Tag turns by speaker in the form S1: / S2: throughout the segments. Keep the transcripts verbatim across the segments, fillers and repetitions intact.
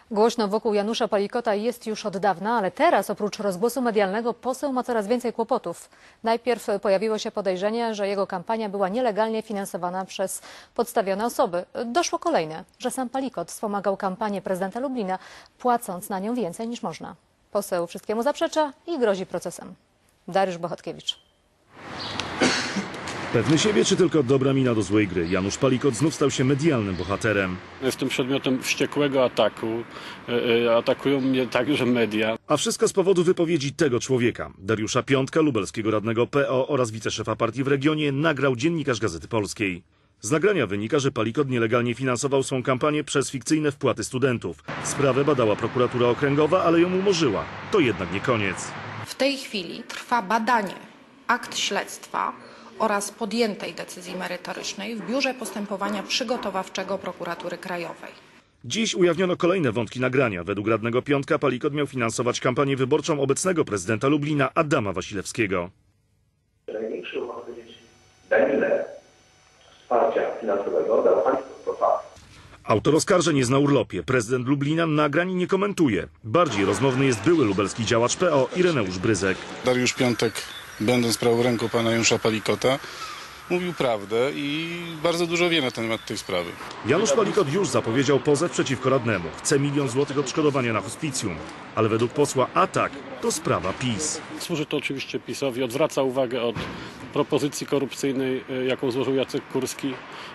S1: Głośno wokół Janusza Palikota jest już od dawna, ale teraz oprócz rozgłosu medialnego poseł ma coraz więcej kłopotów. Najpierw pojawiło się podejrzenie, że jego kampania była nielegalnie finansowana przez podstawione osoby. Doszło kolejne, że sam Palikot wspomagał kampanię prezydenta Lublina, płacąc na nią więcej niż można. Poseł wszystkiemu zaprzecza i grozi procesem. Dariusz Bohatkiewicz.
S2: Pewny siebie, czy tylko dobra mina do złej gry? Janusz Palikot znów stał się medialnym bohaterem.
S3: Jestem przedmiotem wściekłego ataku. Atakują mnie także media.
S2: A wszystko z powodu wypowiedzi tego człowieka. Dariusza Piątka, lubelskiego radnego P O oraz wiceszefa partii w regionie, nagrał dziennikarz Gazety Polskiej. Z nagrania wynika, że Palikot nielegalnie finansował swą kampanię przez fikcyjne wpłaty studentów. Sprawę badała prokuratura okręgowa, ale ją umorzyła. To jednak nie koniec.
S4: W tej chwili trwa badanie akt śledztwa oraz podjętej decyzji merytorycznej w Biurze Postępowania Przygotowawczego Prokuratury Krajowej.
S2: Dziś ujawniono kolejne wątki nagrania. Według radnego Piątka Palikot miał finansować kampanię wyborczą obecnego prezydenta Lublina Adama Wasilewskiego.
S5: Największy, można powiedzieć, danilę wsparcia finansowego dał państwo.
S2: Autor oskarżeń jest na urlopie. Prezydent Lublina nagrań nie komentuje. Bardziej rozmowny jest były lubelski działacz P O Ireneusz Bryzek.
S6: Dariusz Piątek, będąc prawą ręką pana Janusza Palikota, mówił prawdę i bardzo dużo wie na temat tej sprawy.
S2: Janusz Palikot już zapowiedział pozew przeciwko radnemu. Chce milion złotych odszkodowania na hospicjum. Ale według posła atak to sprawa PiS.
S3: Służy to oczywiście PiS-owi. Odwraca uwagę od propozycji korupcyjnej, jaką złożył Jacek Kurski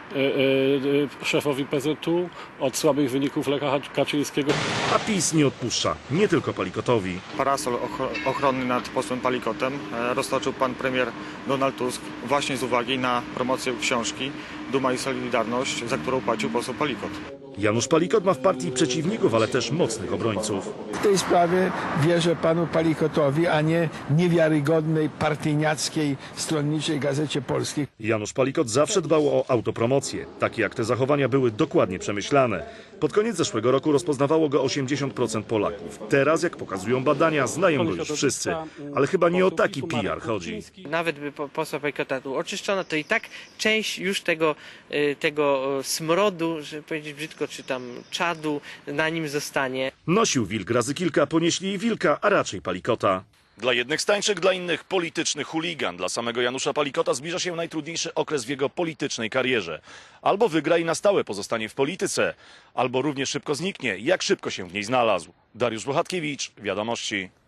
S3: szefowi P Z U, od słabych wyników Lecha Kaczyńskiego.
S2: A PiS nie odpuszcza. Nie tylko Palikotowi.
S7: Parasol ochronny nad posłem Palikotem roztoczył pan premier Donald Tusk właśnie z uwagi na promocję książki Duma i Solidarność, za którą płacił poseł Palikot.
S2: Janusz Palikot ma w partii przeciwników, ale też mocnych obrońców.
S8: W tej sprawie wierzę panu Palikotowi, a nie niewiarygodnej, partyjniackiej, stronniczej Gazecie Polskiej.
S2: Janusz Palikot zawsze dbał o autopromocję. Takie jak te zachowania były dokładnie przemyślane. Pod koniec zeszłego roku rozpoznawało go osiemdziesiąt procent Polaków. Teraz, jak pokazują badania, znają go już wszyscy. Ale chyba nie o taki P R chodzi.
S9: Nawet by posła Palikota tu oczyszczono, to i tak część już tego, tego smrodu, żeby powiedzieć brzydko, czy tam czadu na nim zostanie.
S2: Nosił wilk razy kilka, ponieśli i wilka, a raczej Palikota. Dla jednych stańczyk, dla innych polityczny chuligan. Dla samego Janusza Palikota zbliża się najtrudniejszy okres w jego politycznej karierze. Albo wygra i na stałe pozostanie w polityce, albo równie szybko zniknie, jak szybko się w niej znalazł. Dariusz Bohatkiewicz, Wiadomości.